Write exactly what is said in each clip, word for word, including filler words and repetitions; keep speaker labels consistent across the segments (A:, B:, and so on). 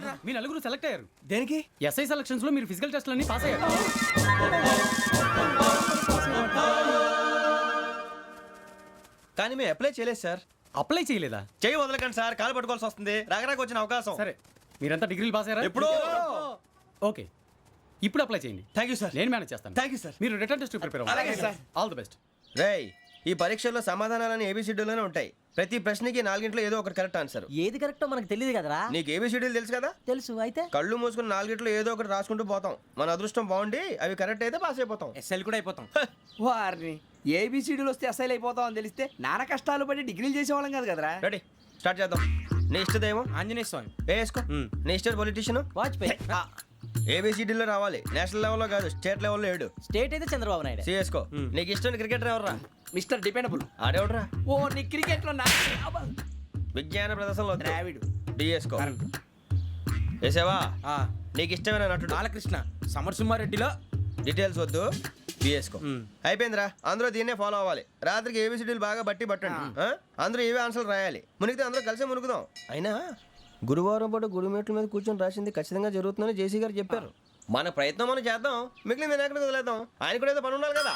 A: మీ నలుగురు సెలెక్ట్ అయ్యారు.
B: దేనికి?
A: ఎస్ఐ సెలక్షన్స్ లో మీరు ఫిజికల్ టెస్ట్లన్నీ పాస్ అయ్యారు.
B: కానీ మేము అప్లై చేయలేదు సార్.
A: అప్లై చేయలేదా?
B: చేయి వదలకండి సార్, కాలు పట్టుకోవాల్సి వస్తుంది. రాగరాకు వచ్చిన అవకాశం.
A: సరే, మీరంతా డిగ్రీలు పాస్ అయ్యారా?
B: ఎప్పుడో.
A: ఓకే, ఇప్పుడు అప్లై చేయండి.
B: Thank you sir.
A: నేను మేనేజ్ చేస్తాను.
B: Thank you sir.
A: మీరు రిటర్న్ టెస్ట్ ప్రిపేర్ అవ్వండి.
B: అలాగే సార్.
A: All the best.
B: రేయ్, ఈ పరీక్షల్లో సమాధానాలని ఏబిసిడ్యూల్లోనే ఉంటాయి. ప్రతి ప్రశ్నకి నాలుగింట్లో ఏదో ఒకటి కరెక్ట్ ఆన్సర్.
C: ఏది కరెక్టో మనకు తెలియదు కదరా.
B: నీకు ఏబిసిడ్యూల్ తెలుసు కదా?
C: తెలుసు. అయితే
B: కళ్ళు మూసుకుని నాలుగింట్లో ఏదో ఒకటి రాసుకుంటూ పోతాం. మన అదృష్టం బాగుండి అవి కరెక్ట్ అయితే పాస్ అయిపోతాం.
D: ఎస్ఎల్ కూడా అయిపోతాం. వారిని ఏబిసిడీలు వస్తే ఎస్ఐలు అయిపోతాం అని తెలిస్తే నాన్న కష్టాలు పడి డిగ్రీలు చేసేవాళ్ళం కాదు కదరా.
B: రెడీ, స్టార్ట్ చేద్దాం. నీ ఇష్టదేమో
D: ఆంజనేయ స్వామి.
B: వేసుకో. నీ ఇష్ట పొలిటీషియన్
C: వాజ్పేయి.
B: ఏబిసిడీలో రావాలి. నేషనల్ లెవెల్లో కాదు, స్టేట్ లెవెల్లో ఏడు.
C: స్టేట్ అయితే చంద్రబాబు నాయుడు.
B: సిఎస్కో. నీకు ఇష్టం క్రికెటర్ ఎవర్రా?
D: Mister dependable.
B: ఆడేవడరా?
D: ఓ నీ క్రికెట్ లో
B: విజ్ఞాన ప్రదర్శనలో
D: ద్రావిడు.
B: డిఎస్కో. వేసావా? నీకు ఇష్టమైన నటుడు?
D: బాలకృష్ణ. సమర్సింహారెడ్డిలో
B: డీటెయిల్స్ వద్దు, బిఎస్కో. అయిపోయిందిరా. అందరూ దీన్నే ఫాలో అవ్వాలి. రాత్రికి ఏబిసిడీలు బాగా బట్టి పట్టండి. ఆ? అందరూ ఏవే ఆన్సర్లు రాయాలి. మునిగితే అందరూ కలిసి మునుగుదాం. అయినా గురువారం పాటు గురుమేట్ల మీద కూర్చొని రాసింది ఖచ్చితంగా జరుగుతుందని జేసీ గారు చెప్పారు. మన ప్రయత్నం మనం చేద్దాం, మిగిలింది నేను ఎక్కడికి వదిలేద్దాం. ఆయన కూడా ఏదో పని ఉండాలి కదా.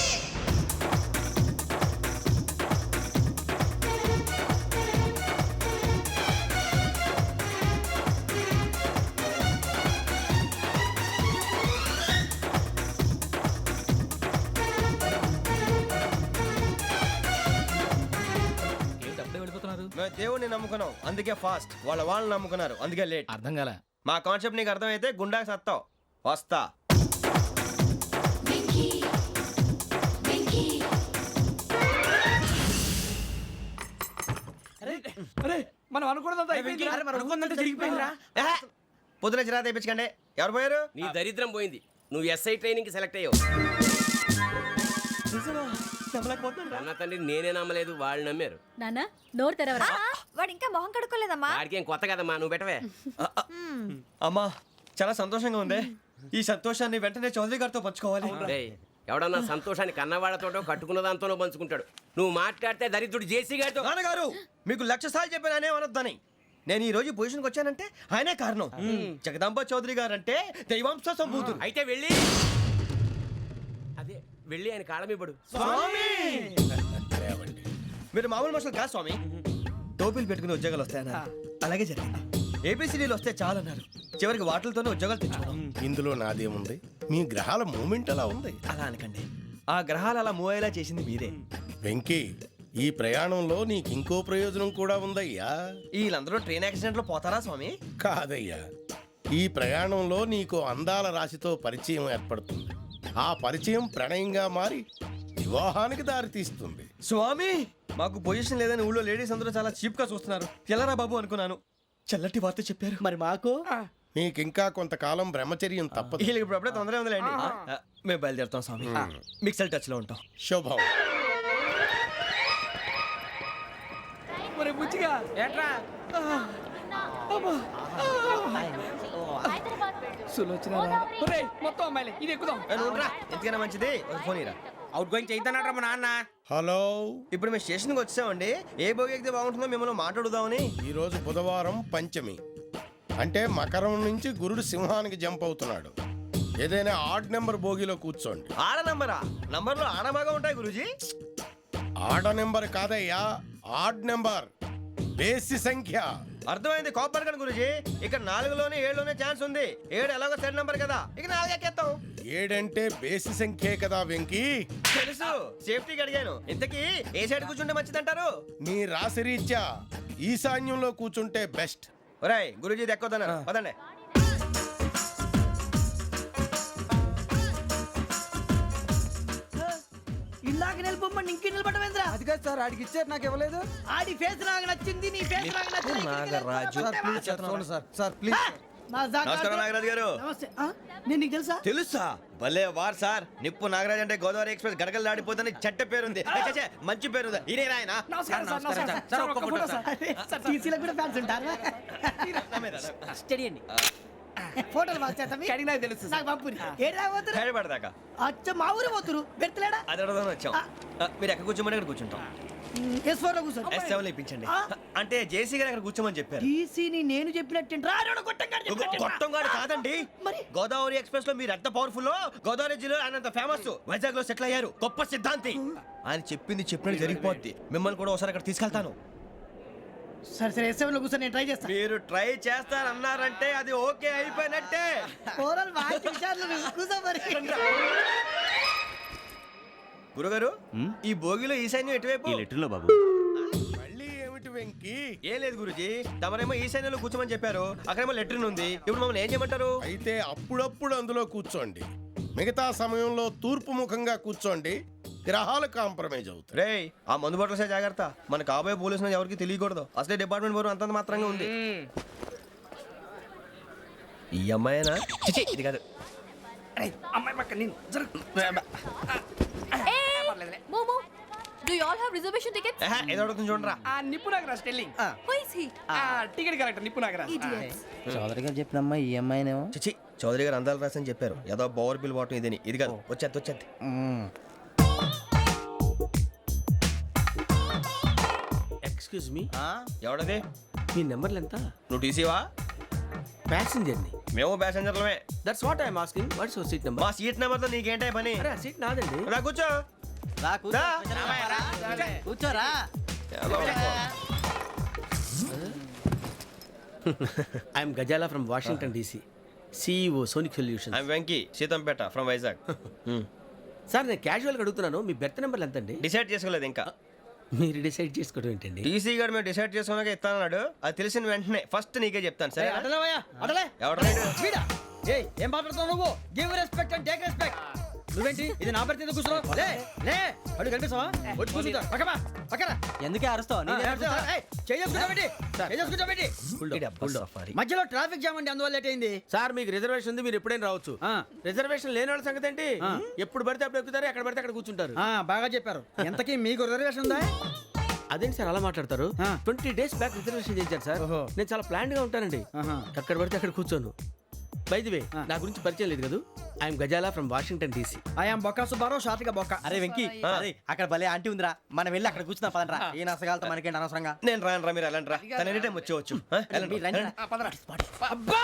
B: మేము దేవుడిని నమ్ముకున్నాం, అందుకే ఫాస్ట్. వాళ్ళ వాళ్ళు నమ్ముకున్నారు, అందుకే లేట్.
A: అర్థం కాలే.
B: మా కాన్సెప్ట్ నీకు అర్థమైతే గుండా సత్తావు. వస్తా.
D: మనం అనుకున్నదంతా జరిగిపోయిందిరా.
B: పొద్దున చిరా తెప్పించకండి. ఎవరు పోయారు?
E: నీ దరిద్రం పోయింది. నువ్వు ఎస్ఐ ట్రైనింగ్ కి సెలెక్ట్ అయ్యావు. అన్న తండ్రి నేనే నమ్మలేదు, వాళ్ళు నమ్మారు.
F: నాన్న నోరు తెరవరా.
G: వాడు ఇంకా మొహం కడుక్కోలేదమ్మా.
E: వాడికి ఏం కొత్త కదమ్మా, నువ్వు పెట్టవే.
B: అమ్మా, చాలా సంతోషంగా ఉంది. ఈ సంతోషాన్ని వెంటనే చౌదరి గారితో పంచుకోవాలి.
E: డేయ్, ఎవడన్నా సంతోషాన్ని కన్నవాళ్లతోటో కట్టుకున్న దాంతోనో పంచుకుంటాడు. నువ్వు మాట్లాడితే దరిద్రుడు జేసీ గారితో.
B: నాన్నగారు, మీకు లక్ష సార్లు చెప్పాను ఆయనే అనొద్దని. నేను ఈ రోజు పొజిషన్కి వచ్చానంటే ఆయనే కారణం. జగదాంబ చౌదరి గారు అంటే దైవాంశ సంభూతుడు.
E: అయితే వెళ్ళి అదే వెళ్ళి ఆయన కాళ్ళమివ్వడు.
B: స్వామి, మీరు మామూలు మనుషులు కాదు స్వామి. టోపీలు పెట్టుకుని ఉద్యోగాలు వస్తాయన్నారు, అలాగే జరిగింది. ఏబిసిడీలు వస్తే చాలన్నారు, చివరికి వాటిలతోనే ఉద్యోగాలు తెచ్చుకున్నాం.
H: ఇందులో నాదేముంది? మీ గ్రహాల మూమెంట్ అలా ఉంది.
B: అలా అనకండి, ఆ గ్రహాలు అలా మూవ్ అయ్యేలా చేసింది మీరే.
H: వెంకీ, ఈ ప్రయాణంలో నీకు ఇంకో ప్రయోజనం కూడా ఉందయ్యా.
B: వీళ్ళందరూ ట్రైన్ యాక్సిడెంట్ లో పోతారా స్వామి?
H: కాదయ్యా, ఈ ప్రయాణంలో నీకు అందాల రాశితో పరిచయం ఏర్పడుతుంది. ఆ పరిచయం ప్రణయంగా మారి వివాహానికి దారి తీస్తుంది.
B: స్వామి, మాకు పొజిషన్ లేదని ఊళ్ళో లేడీస్ అందరూ చాలా చీప్ గా చూస్తున్నారు. ఎలారా బాబు అనుకున్నాను. చల్లటి వార్త చెప్పారు.
C: మరి మాకు
H: నీకింకా కొంతకాలం బ్రహ్మచర్యం తప్పదు.
B: వీళ్ళకి ఇప్పుడు అప్పుడే తొందరగా ఉందిలేండి. మేము బయలుదేరుతాం స్వామి. మిక్సల్ టచ్ లో ఉంటాం.
H: శుభం.
D: మరి బుచ్చిగా ఏట్రా సులోచన మొత్తం అమ్మాయిలే. ఇది ఎక్కుదాం.
B: ఎందుకైనా మంచిది ఫోన్ ఇరా.
D: అవుట్ గోయింగ్ చేద్దానట్రా మా నాన్న.
H: హలో,
B: ఇప్పుడు మేము స్టేషన్కి వచ్చామండి. ఏ బోగి ఎక్కితే బాగుంటుందో మిమ్మల్ని మాట్లాడుదామని.
H: ఈరోజు బుధవారం పంచమి, అంటే మకరం నుంచి గురుడు సింహానికి జంప్ అవుతున్నాడు. ఏదైనా ఆడ్ నెంబర్ బోగిలో కూర్చోండి.
B: ఆడ నంబరా? నంబర్లు ఆడ బాగా ఉంటాయి గురూజీ.
H: ఆడ నెంబర్ కాదయ్యా, ఆడ్ నెంబర్, బేసి సంఖ్య.
B: అర్థమైంది. కాపర్ కానీ గురూజీ, ఇక్కడ నాలుగులోనే ఏడులోనే ఛాన్స్ ఉంది. ఏడు ఎలాగో సెడ్ నంబర్ కదా, ఇక నాలుగు ఎక్కేస్తాం.
H: ఏడంటే బేసి సంఖ్యే కదా వెంకీ.
B: తెలుసు, సేఫ్టీకి అడిగాను. ఇంతకీ ఏ సైడ్ కూర్చుంటే మంచిదంటారు?
H: నీ రాశి రీత్యా ఈశాన్యంలో కూర్చుంటే బెస్ట్.
B: ఒరేయ్, గురూజీ దెక్కొద్దన్నారు, పదండి.
C: ఇలాగ నిలబొమ్మని ఇంకే నిలబడమేంద్రా?
D: అది కాదు సార్, ఆడికి ఇచ్చారు, నాకు ఇవ్వలేదు.
C: ఆడి ఫేస్ నాకు నచ్చింది, నీ ఫేస్ నాకు నచ్చింది.
B: నాగరాజు.
D: Sir please.
B: నమస్కారం నాగరాజు గారు.
C: నమస్తే. ఆ? నేను నీకు తెలుసా?
B: తెలుసా? భలే వార్ సార్. నిప్పు నాగరాజ్ అంటే గోదావరి ఎక్స్ప్రెస్ గడగలు దాడిపోతుంది చెట్ట పేరుంది. మంచి పేరు. ఇదే ఆయన.
C: నమస్కారం సార్. నమస్కారం సార్. ఒక్క ఫోటో సార్. టీసీలో కూడా ఫ్యాన్స్ ఉంటారా? స్టడీ అండి. ఫోటోలు మార్చేస్తాం.
D: కడిగినా తెలుసు
C: నాకు పంపుని. ఏడు రాబోతురు?
B: హైదరాబాద్ దాకా.
C: అచ్చ మా ఊరు పోతురు. పెడతలేడా?
B: అది అడగదామని వచ్చాం. మీరు ఎక్కడ కూర్చోమని అక్కడ కూర్చుంటాం.
C: ఎస్ ఫోర్ లో కూర్చో
B: ఎస్ సెవెన్ ఇప్పించండి అంటే జేసీ గారు అక్కడ కూర్చోమని చెప్పారు.
C: టీసీని నేను చెప్పినట్టు
B: గొట్టం గారు కాదండి,
C: మరి?
B: గోదావరి ఎక్స్ప్రెస్ లో మీరు ఎంత పవర్ఫుల్, గోదావరి జిల్లా ఆయన అంత ఫేమస్, వైజాగ్ లో సెటిల్ అయ్యారు, గొప్ప సిద్ధాంతి. ఆయన చెప్పింది చెప్పినట్టు జరిగిపోద్ది. మిమ్మల్ని కూడా ఒకసారి అక్కడ తీసుకెళ్తాను.
C: సరే సరే ఎస్ సెవెన్ లో కూర్చో, నేను ట్రై చేస్తాను.
B: మీరు ట్రై చేస్తారన్నారంటే అది ఓకే అయిపోయినట్టే.
C: ఓవరాల్ బాగా విచారాలు నువ్వు కూర్చో మరి.
B: గురుగారు ఈ భోగిలో ఈశాన్యం ఎటువైపు?
H: మళ్ళీ ఏమిటి వెంకీ?
B: ఏం లేదు గురుజీ, తమరేమో ఈశాన్యంలో కూర్చోమని చెప్పారు, అక్కడేమో లెటర్ ఉంది. ఇప్పుడు మమ్మల్ని ఏం చేయమంటారు?
H: అయితే అప్పుడప్పుడు అందులో కూర్చోండి, మిగతా సమయంలో తూర్పు ముఖంగా కూర్చోండి. గ్రహాలు కాంప్రమైజ్ అవుతాయి.
B: రేయ్ ఆ మందు బాటలసే జాగ్రత్త, మన కాబోయే పోలీసులు ఎవరికి తెలియకూడదు. అసలే డిపార్ట్మెంట్ బోరు అంతంత మాత్రంగా ఉంది. ఈ అమ్మాయినా? చిచి, ఇది కాదు.
D: అమ్మాయి పక్క నేను
G: మోమో do you all have reservation tickets?
B: ఏహే, ఏదో అడుగుతుంది చూడరా.
D: ఆ నిప్పు Nagaraj telling
G: who is he?
D: Ticket correct నిప్పు నాగరాజ్.
G: ఇడియట్స్.
C: చౌదరి గారు చెప్పినమ్మా ఈ అమ్మాయినేమో.
B: చిచి, చౌదరి గారు అందాలు రాసని చెప్పారు. ఏదో బోర్ బిల్ బాటం ఇదని. ఇది కాదు, వచ్చేది వచ్చేది.
E: Excuse me,
B: ఎవడది?
E: మీ నెంబర్లు ఎంత?
B: నువ్వు టీసీవా?
E: ప్యాసింజర్ ని.
B: మేము ప్యాసెంజర్లమే.
E: That's what I'm asking. What's your seat number?
B: మా సీట్ నెంబర్ తో నీకేంటే పని?
E: అరే సీట్ నాదండి.
B: రా కూర్చో.
C: రా
B: రా.
C: కూర్చోరా.
E: I'm Gazala from Washington DC, CEO Sonic solution.
B: I'm Venky, Seethampeta from Vizag.
E: Sir నేను క్యాజువల్గా అడుగుతున్నాను, మీ బెర్త్ నెంబర్లు ఎంత అండి?
B: డిసైడ్ చేసుకోలేదు ఇంకా.
E: మీరు డిసైడ్ చేసుకోవడం ఏంటండి?
B: టీసీ గారు మేము డిసైడ్ చేసుకున్నాక ఇస్తానన్నాడు. అది తెలిసిన వెంటనే ఫస్ట్ నీకే చెప్తాను. సరే
C: అడలేవయ్యా అడలే.
B: ఎవడ
C: వీడా? ఏయ్ ఏం మాట్లాడుతున్నావు నువ్వు? Give respect and take respect. నువ్వేంటి ఇది నా పరిస్థితి కూర్చున్నావు? లే లే అడుగు కనిపిస్తావా? వచ్చి కూర్చుంటా. పక్కమా పక్కరా. ఎందుకే అరుస్తావు? మధ్యలో ట్రాఫిక్ జామ్ అండి, అందువల్ల లేట్ అయింది.
E: సార్ మీకు రిజర్వేషన్ ఉంది, మీరు ఎప్పుడైనా రావచ్చు.
C: ఆ.
E: రిజర్వేషన్ లేని వాళ్ళ సంగతి ఏంటి?
C: ఆ.
E: ఎప్పుడు పడితే అప్పుడు ఎక్కుతారు, ఎక్కడ పడితే అక్కడ కూర్చుంటారు.
C: ఆ, బాగా చెప్పారు. ఎంతకీ మీకు రిజర్వేషన్ ఉందా?
E: అదేంటి సార్ అలా మాట్లాడతారు?
C: ఆ.
E: ట్వంటీ డేస్ బ్యాక్ రిజర్వేషన్ చేశారు సార్.
C: ఓహో.
E: నేను చాలా ప్లాన్డ్ గా ఉంటానండి.
C: ఆహా.
E: ఎక్కడ పడితే అక్కడ కూర్చోను. బై ది వే, నా గురించి పరిచయం లేదు కదా. I'm Gazala from Washington DC.
C: I'm Bokka Subbarao, షార్ట్గా బొక్క.
F: అరే వెంకీ, అరే అక్కడ భలే ఆంటీ ఉందిరా, మనం వెళ్ళి అక్కడ కూర్చున్నా పదనరా. ఏ నసగాలతో మనకేంటి అనవసరంగా.
B: నేను రాను రా, మీరు వెళ్ళండి రా. తన ఎనీ టైం వచ్చేవచ్చు. ఆ, వెళ్ళండి,
F: మీరు రండి రా.
B: వెళ్ళండి.
D: అబ్బా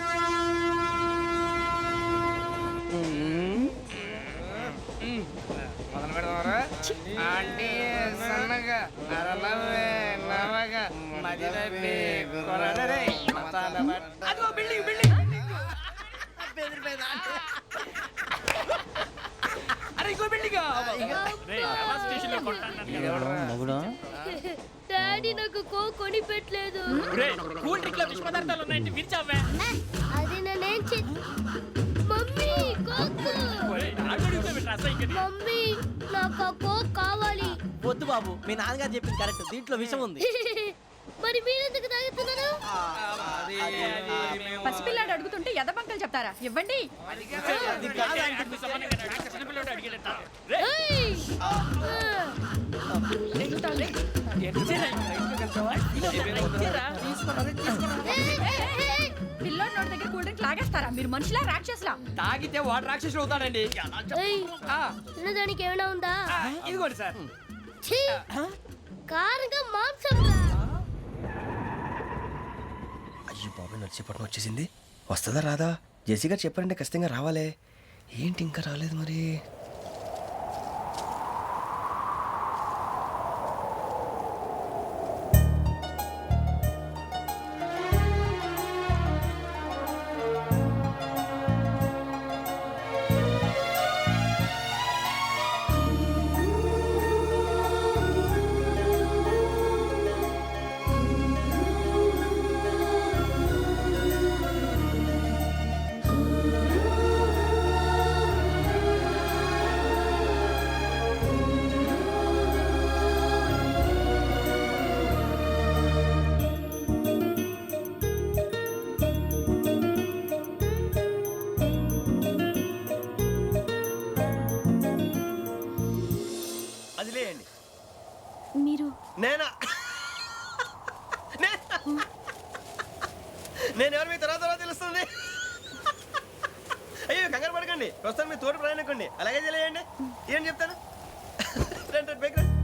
D: మొదలు పెడదామరా? ఆంటీ సన్నగా అరలవే నవగా మదిరపి కొరడరే మతాల బట్ట. అదిగో బిల్డింగ్ బిల్డింగ్. అరే ఇంకో బిల్డింగ్.
I: డాడీ నాకు కో కొని పెట్టలేదు. అది నేనేం చే మమ్మీ కోక్. మమ్మీ నాకు ఆ కోక్ కావాలి.
F: వద్దు బాబు, మీ నాన్నగారు చెప్పింది కరెక్ట్, దీంట్లో విషయం ఉంది.
I: మరి మీరెందుకు తాగుతున్నారు?
G: పసిపిల్లాడు అడుగుతుంటే ఎదబంకలు చెప్తారా? ఇవ్వండి.
I: ఏయ్!
G: పిల్లోడి నోటి దగ్గర కూల్ డ్రింక్ లాగేస్తారా? మీరు మనుషులా రాక్షసులా?
D: తాగితే వాడు రాక్షసుడు అవుతాడండి.
I: ఏయ్!
D: ఆ,
I: తినడానికి ఏమైనా ఉందా?
D: ఆ, ఇదిగోండి సార్.
I: ఛీ! కారంగా మాంసం రా.
B: అయ్యో బాబాయ్, నడిచేపట్నం వచ్చేసింది. వస్తుందా రాదా? జేసీ గారు చెప్పారంటే ఖచ్చితంగా రావాలే. ఏంటి ఇంకా రాలేదు మరి?
I: మీరు
B: నేనా? నేను ఎవరు మీ తర్వాత తర్వాత తెలుస్తుంది. అయ్యో కంగారు పడకండి, ప్రస్తుతం మీ తోటి ప్రయాణకండి. అలాగే తెలియండి. ఏం చెప్తాను? రండి రండి, బైక్ రండి.